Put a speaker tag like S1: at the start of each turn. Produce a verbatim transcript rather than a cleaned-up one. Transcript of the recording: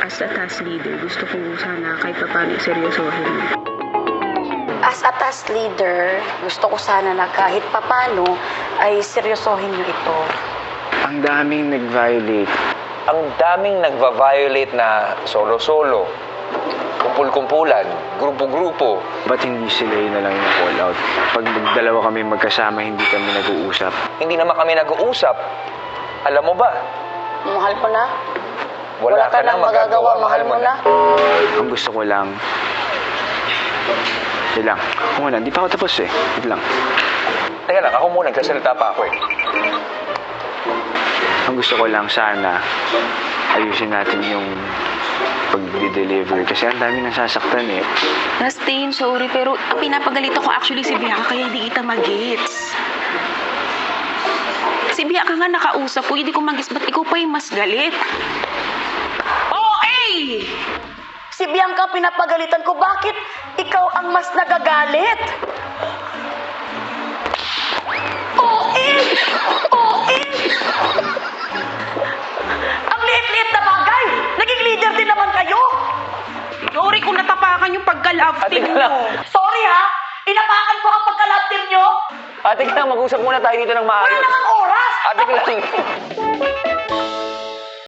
S1: as a task leader, gusto ko sana kahit pa paano seryosohin mo.
S2: As a task leader, gusto ko sana na kahit papano ay seryosohin niyo ito.
S3: Ang daming nag-violate.
S4: Ang daming nagva-violate na solo-solo, kumpul-kumpulan, grupo-grupo.
S3: Ba't hindi sila yun na lang yung call out? Pag dalawa kami magkasama, hindi kami nag-uusap.
S4: Hindi naman kami nag-uusap. Alam mo ba?
S2: Mahal mo na?
S4: Wala, ka nang magagawa, mahal mo na.
S3: Ang gusto ko lang... Hindi lang. Ako muna, hindi pa ako tapos eh. Hindi lang.
S4: Teka lang, ako muna, nagsasalita pa ako eh.
S3: Ang gusto ko lang sana, ayusin natin yung pag-deliver. Kasi ang dami nasasaktan eh.
S1: Rastain, sorry, pero pinapagalit ako actually si Bianca kaya hindi kita mag-gets. Si Bianca nga nakausap ko, hindi ko mag-gets, ba't ikaw pa yung mas galit? Oh, eh!
S2: Si Bianca pinapagalitan ko, bakit ikaw ang mas nagagalit? Oh, eh! Oh, eh! Ang liit-liit na bagay! Naging leader din naman kayo!
S1: Sorry kung natapakan yung pagka-love
S4: Ate
S1: team
S4: ka lang.
S1: mo.
S2: Sorry ha! Inapakan ko ang pagka-love team nyo!
S4: Ate ka lang, mag-usap muna tayo dito ng
S2: Wala
S4: maayos.
S2: namang oras!
S4: Ate ka lang.